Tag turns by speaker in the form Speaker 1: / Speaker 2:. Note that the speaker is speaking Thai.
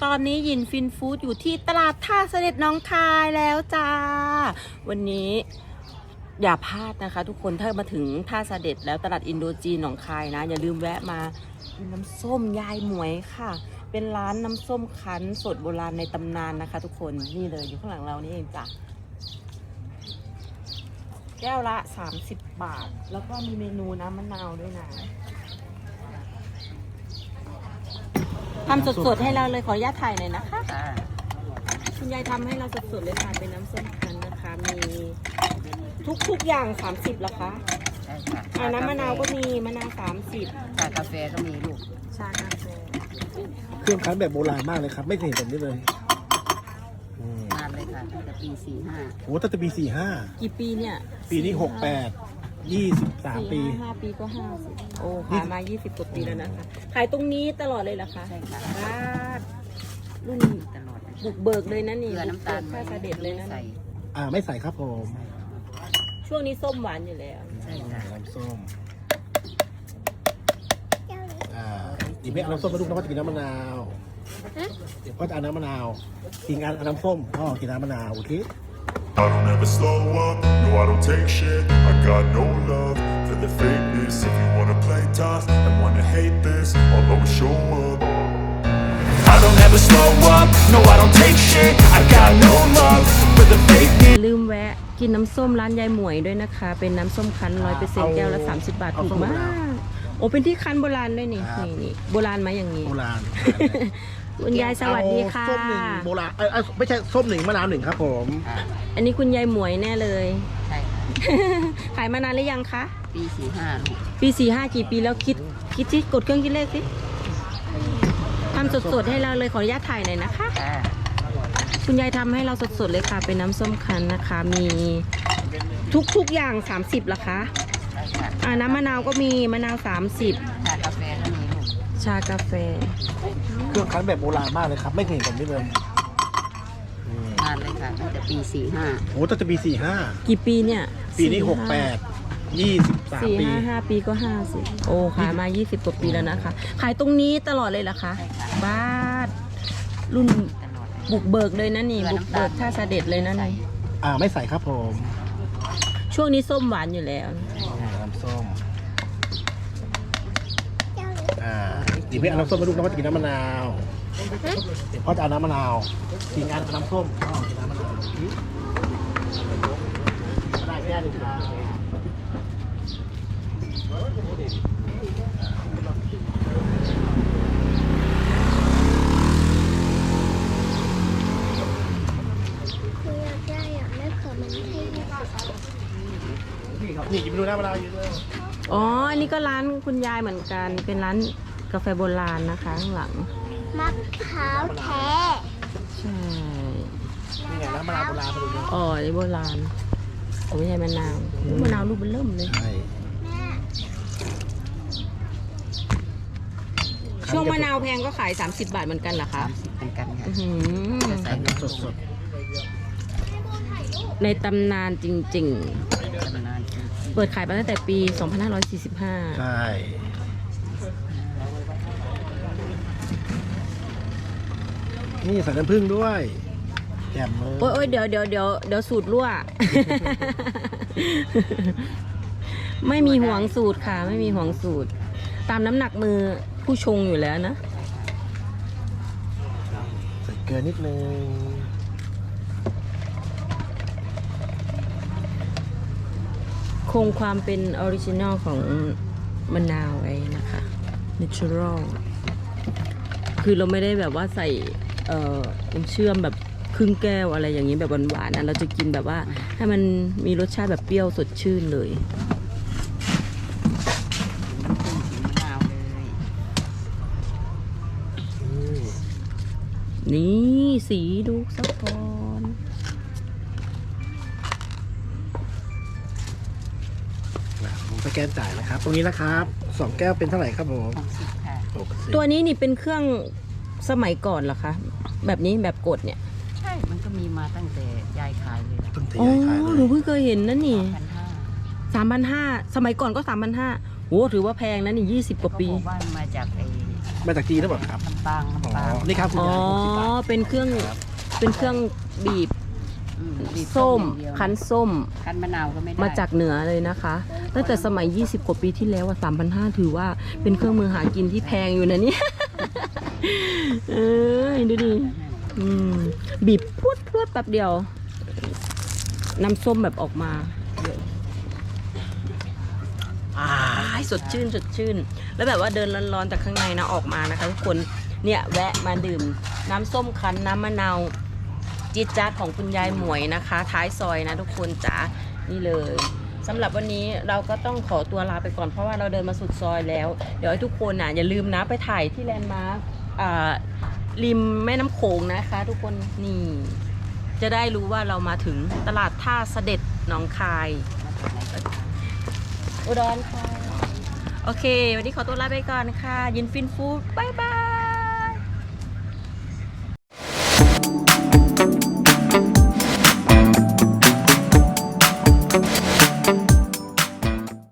Speaker 1: ตอนนี้ยินฟินฟู้ดอยู่ที่ตลาดท่าเสด็จน้องคายแล้วจ้าวันนี้อย่าพลาดนะคะทุกคนถ้ามาถึงท่าเสด็จแล้วตลาดอินโดจีนหนองคายนะอย่าลืมแวะมากินน้ำส้มยายหมวยค่ะเป็นร้านน้ำส้มคั้นสดโบราณในตำนานนะคะทุกคนนี่เลยอยู่ข้างหลังเรานี่เองจ้ะแก้วละ30 บาทแล้วก็มีเมนูน้ำมะนาวด้วยนะทำสดๆให้เราเลยขออนุญาตถ่ายหน่อยนะคะคุณยายทำให้เราสดๆเลยค่ะเป็นน้ำส้มคั้นนะคะมีทุกอย่าง30เหรอคะ
Speaker 2: ใช่ค่ะ
Speaker 1: น้ำมะนาวก็มีมะนาว30
Speaker 2: ชากาแฟก็มีลูก
Speaker 1: ชากาแฟ
Speaker 3: เครื่องคั้นแบบโบราณมากเลยครับไม่เคยเห็นแบบนี้เลย
Speaker 2: นานเลยค่ะตั้งแต่ปี45
Speaker 3: โอ้ตั้งแต่ปี45
Speaker 1: กี่ปีเนี่ย
Speaker 3: ปีนี้68 23 ปี
Speaker 1: 5 ปีก็50โอ้ขายมา20 กว่าปีแล้วนะคะขายตรงนี้ตลอดเลยเหรอคะ
Speaker 2: ใช่ค่ะ
Speaker 1: รุ่น
Speaker 2: ตลอด
Speaker 1: บุกเบิกเลยนะนี่
Speaker 2: เกลือน้ำตาล
Speaker 1: ข้าเสด็จเลยนะ
Speaker 2: ใส่
Speaker 3: ไม่ใส่ครับผม
Speaker 1: ช่วงนี้ส้มหวานอยู่แล้ว
Speaker 2: ใช่ค่ะ
Speaker 3: น้ำส้มเดี๋ยวแม่เอาน้ำส้มมาลูกน้องก็จะกินน้ำมะนาวเดี๋ยวพ่อจะเอาน้ำมะนาวกินเอาน้ำส้มพ่อกินน้ำมะนาวโอเค
Speaker 4: I don't ever slow up, no I don't take shit I got no love for the fakeness If you wanna play tough and wanna hate this I'll always show up I don't ever slow up, no I don't take shit I got no love for the fakeness
Speaker 1: ลืมแวะกินน้ำส้มร้านยายหมวยด้วยนะคะเป็นน้ำส้มคั้น100%แก้วละ30 บาทถูกมากโอ้เป็นที่คั้นโบราณด้วยนี่นี่โบราณไหมอย่างนี้
Speaker 3: โบราณ
Speaker 1: คุณยายสวัสดีค่ะ
Speaker 3: ส้มหนึ่งโบราณไม่ใช่ส้มหนึ่งมะนาวหนึ่งครับผม
Speaker 1: อันนี้คุณยายหมวยแน่เลย
Speaker 2: ใช่ค่ะ
Speaker 1: ขายมานานหรือยังคะ
Speaker 2: ปี45ลูก
Speaker 1: ปี45กี่ปีแล้วคิดสิกดเครื่องคิดเลขสิทำสดๆให้เราเลยขออนุญาตถ่ายหน่อยนะคะคุณยายทำให้เราสดๆเลยค่ะเป็นน้ำส้มคั้นนะคะมีทุกอย่าง30เหรอคะน้ำมะนาวก็มีมะนาว30
Speaker 2: ชากาแฟก็มีลูก
Speaker 1: ชากาแฟ
Speaker 3: เครื่องคั้นแบบโบราณมากเลยครับไม่เคยเห็นแบบนี้เลย
Speaker 2: นานเลยค่ะตั้งแต่ปี45
Speaker 3: โอ้ตั้งแต่ปี45
Speaker 1: กี่ปีเนี่ย
Speaker 3: ปีนี้68 23 ปี
Speaker 1: 5 ปีก็50โอ้ขายมา20 กว่าปีแล้วนะคะขายตรงนี้ตลอดเลยเหรอคะบ้านรุ่นบุกเบิกเลยนะนี่บุกเบิกท่าเสด็จเลยนะนี่
Speaker 3: ไม่ใส่ครับผม
Speaker 1: ช่วงนี้ส้มหวานอยู่แล้ว
Speaker 3: น้ำส้มเดี๋ยวแม่เอาน้ำส้มมาลูกน้องก็จะกินน้ำมะนาวเดี๋ยวพ่อจะเอาน้ำมะนาวกินน้ำส้มพ่อกินน้ำมะนาวได้แค่หนึ่งครับนี่กินไปดูน้ำมะนาวเยอะเลย
Speaker 1: อ๋ออันนี้ก็ร้านคุณยายเหมือนกันเป็นร้านกาแฟโบราณนะคะข้างหลัง
Speaker 5: มะพร้าวแท้
Speaker 1: ใช่
Speaker 3: นี่ไงน้ำมะนาวโบราณไปดูเลย
Speaker 1: อ๋อนี่โบราณไม่ใช่มะนาวมะนาวลูกมันเริ่มเลยช่วงมะนาวแพงก็ขาย30 บาทเหมือนกันเหรอคะ
Speaker 2: เหมือนกันค่ะ
Speaker 3: ใส่น้ำสด
Speaker 1: ในตำนานจริงๆเปิดขายมาตั้งแต่ปี 2545
Speaker 3: ใช่นี่ใส่น้ำผึ้งด้วยแจ่มเลย
Speaker 1: โอ้ยเดี๋ยวสูตรรั่ว ไม่มีห่วงสูตรค่ะไม่มีห่วงสูตรตามน้ำหนักมือผู้ชงอยู่แล้วนะ
Speaker 3: ใส่เกลือนิดนึง
Speaker 1: คงความเป็นออริจินอลของมะนาวไว้นะคะ natural คือเราไม่ได้แบบว่าใส่น้ำเชื่อมแบบครึ่งแก้วอะไรอย่างนี้แบบหวานๆนะเราจะกินแบบว่าให้มันมีรสชาติแบบเปรี้ยวสดชื่นเลยนี่สีดูสักก่อน
Speaker 3: สแกนจ่ายนะครับตรงนี้นะครับ2 แก้วเป็นเท่าไหร่ครับผม
Speaker 1: ตัวนี้นี่เป็นเครื่องสมัยก่อนเหรอคะแบบนี้แบบกดเนี่ย
Speaker 2: ใช่มันก็มีมาตั้งแต่ยายขายเลย
Speaker 1: อ๋อหนูเพิ่งเคยเห็นนั่นนี่3,500สมัยก่อนก็3,500โอ้ถือว่าแพงนะนี่20 กว่าปี
Speaker 2: บ้านมาจากไอ้
Speaker 3: มาจากจีนหรือเปล่าครับ
Speaker 2: ลำปาง
Speaker 3: อ๋อ
Speaker 2: ลำปาง
Speaker 3: นี่ครับคุณ
Speaker 1: อ๋อย
Speaker 3: าย60 บาท
Speaker 1: เป็นเครื่องบีบ
Speaker 2: บีบ
Speaker 1: ส้ม
Speaker 2: อย่างเดียว
Speaker 1: คั้นส้ม
Speaker 2: คั้นมะนาวก็ไม่ได้
Speaker 1: มาจากเหนือเลยนะคะ ตั้งแต่สมัย 20 กว่าปีที่แล้วอะ3,500 ถือว่าเป็นเครื่องมือหากินที่แพงอยู่นะเนี่ย เอ้ยดูดิบีบพรวดแป๊บเดียว น้ำส้มแบบออกมาเยอะสดชื่นสดชื่น แล้วแบบว่าเดินร้อนๆจากข้างในนะออกมานะคะทุกคนเนี่ยแวะมาดื่มน้ำส้มคั้นน้ำมะนาวจี๊ดจ๊าดของคุณยายหมวยนะคะ ท้ายซอยนะทุกคนจ๋านี่เลยสำหรับวันนี้เราก็ต้องขอตัวลาไปก่อนเพราะว่าเราเดินมาสุดซอยแล้ว เดี๋ยวให้ทุกคนอย่าลืมนะไปถ่ายที่แลนด์มาร์คริมแม่น้ำโขงนะคะ ทุกคนนี่จะได้รู้ว่าเรามาถึงตลาดท่าเสด็จหนองคายอุดรค่ะโอเค วันนี้ขอตัวลาไปก่อนค่ะ ยินฟินฟูดบ๊ายบาย